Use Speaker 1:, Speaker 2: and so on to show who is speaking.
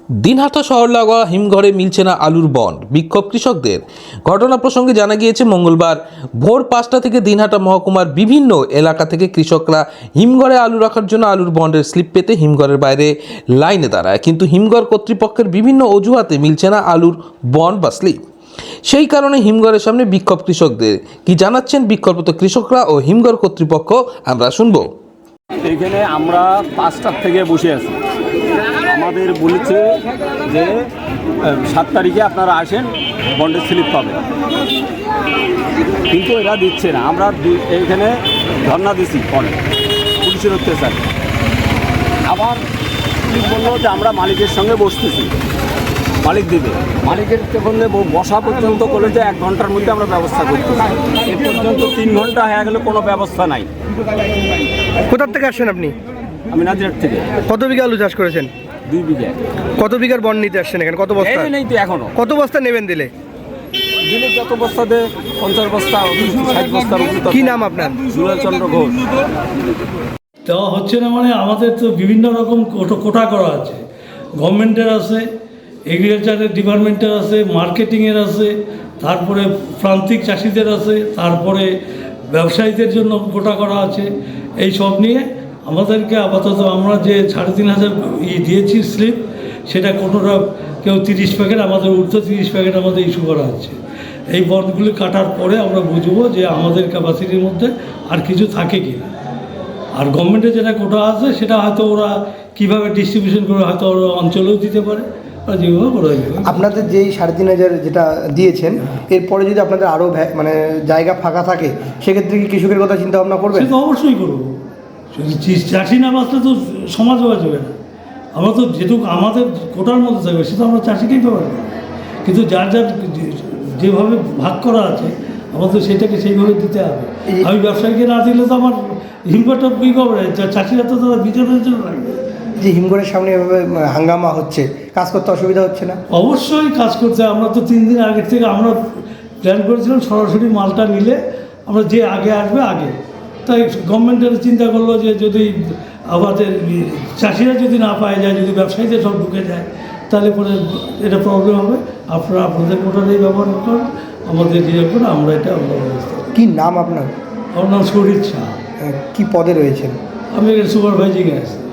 Speaker 1: দিনহাটা শহর লাগোয়া হিমঘরে মিলছে না আলুর বন্ড, বিক্ষোভ কৃষকদের। ঘটনা প্রসঙ্গে জানা গিয়েছে মঙ্গলবার ভোর 5টা থেকে দিনহাটা মহকুমার বিভিন্ন এলাকা থেকে কৃষকরা হিমঘরে আলু রাখার জন্য আলুর বন্ডের স্লিপ পেতে হিমঘরের বাইরে লাইনে দাঁড়ায়, কিন্তু হিমঘর কর্তৃপক্ষের বিভিন্ন অজুহাতে মিলছে না আলুর বন্ড বা স্লিপ। সেই কারণে হিমঘরের সামনে বিক্ষোভ কৃষকদের। কি জানাচ্ছেন বিক্ষোভরত কৃষকরা ও হিমঘর কর্তৃপক্ষ, আমরা শুনবো।
Speaker 2: এখানে আমরা 5টার থেকে বসে আছি। আমাদের বলেছে যে 7 তারিখে আপনারা আসেন, বন্ডের স্লিপ পাবেন, কিন্তু এরা দিচ্ছে না। আমরা এখানে ধর্ণা দিছি, পরে পুলিশের অত্যাচার। আবার পুলিশ বললো যে আমরা মালিকের সঙ্গে বসতেছি, মালিক দিবে। মালিকের বললে বসা পর্যন্ত বলে যে 1 ঘন্টার মধ্যে আমরা ব্যবস্থা করতেছি। এ পর্যন্ত 3 ঘন্টা হয়ে গেলে কোনো ব্যবস্থা নাই।
Speaker 3: কোথার থেকে আসছেন আপনি?
Speaker 2: আমি নাজিরহাট থেকে।
Speaker 3: কত বিঘা আলু চাষ করেছেন?
Speaker 2: 2 বিঘা।
Speaker 3: কত বিঘার বন্ড নিতে আসছেন এখানে? কত বস্তা
Speaker 2: নেই তো এখনো।
Speaker 3: কত বস্তা নেবেন দিলে?
Speaker 2: যত বস্তা দেয়, 50 বস্তা 60 বস্তার উপরে।
Speaker 3: কি নাম আপনার?
Speaker 2: সুরেশচন্দ্র ঘোষ।
Speaker 4: দেওয়া হচ্ছে না মানে আমাদের তো বিভিন্ন রকম কোটা করা আছে। গভর্নমেন্টের আছে, এগ্রিকালচারের ডিপার্টমেন্টের আছে, মার্কেটিংয়ের আছে, তারপরে প্রান্তিক চাষিদের আছে, তারপরে ব্যবসায়ীদের জন্য কোটা করা আছে। এই সব নিয়ে আমাদেরকে আপাতত আমরা যে 3,500 দিয়েছি স্লিপ, সেটা কোনোটা কেউ 30 প্যাকেট, আমাদের ঊর্ধ্ব 30 প্যাকেট আমাদের ইস্যু করা হচ্ছে। এই বন্ডগুলি কাটার পরে আমরা বুঝবো যে আমাদের ক্যাপাসিটির মধ্যে আর কিছু থাকে কি না। আর গভর্নমেন্টের যেটা কোটা আছে সেটা হয়তো ওরা কীভাবে ডিস্ট্রিবিউশন করে হয়তো ওরা অঞ্চলেও দিতে পারে, ওরা যেভাবে করে দেবে।
Speaker 3: আপনাদের যেই 3,500 যেটা দিয়েছেন, এরপরে যদি আপনাদের আরও মানে জায়গা ফাঁকা থাকে, সেক্ষেত্রে কি কৃষকের কথা চিন্তা ভাবনা করবেন?
Speaker 4: সে তো অবশ্যই করবো। যদি চাষি না বাঁচলে তো সমাজ বাঁচবে না। আমরা তো যেটুকু আমাদের কোটার মধ্যে থাকবে সেটা আমরা চাষিকেই তো পারবো, কিন্তু যার যার যেভাবে ভাগ করা আছে আমাদের সেটাকে সেইভাবে দিতে হবে। আমি ব্যবসায়ীকে না দিলে তো আমার হিমঘরটা কী করবে? চাষিরা তো তারা বিতরণের জন্য রাখবে।
Speaker 3: যে হিমঘরের সামনে এভাবে হাঙ্গামা হচ্ছে, কাজ করতে অসুবিধা হচ্ছে না?
Speaker 4: অবশ্যই কাজ করতে। আমরা তো 3 দিন আগের থেকে আমরা প্ল্যান করেছিলাম সরাসরি মালটা নিলে আমরা যে আগে আসবে আগে। তাই গভর্নমেন্টের চিন্তা করলো যে যদি আমাদের চাষিরা যদি না পায় যায়, যদি ব্যবসায়ীদের সব ঢুকে যায়, তাহলে পরে এটা প্রবলেম হবে। আপনারা আপনাদের কোটাটাই ব্যবহার করুন, আমাদের ইয়ে করে আমরা এটা আমরা ব্যবস্থা।
Speaker 3: কি নাম আপনার?
Speaker 4: আমার নাম শরীর শাহ।
Speaker 3: কি পদে রয়েছেন?
Speaker 4: আমি সুপারভাইজিংয়ে আছি।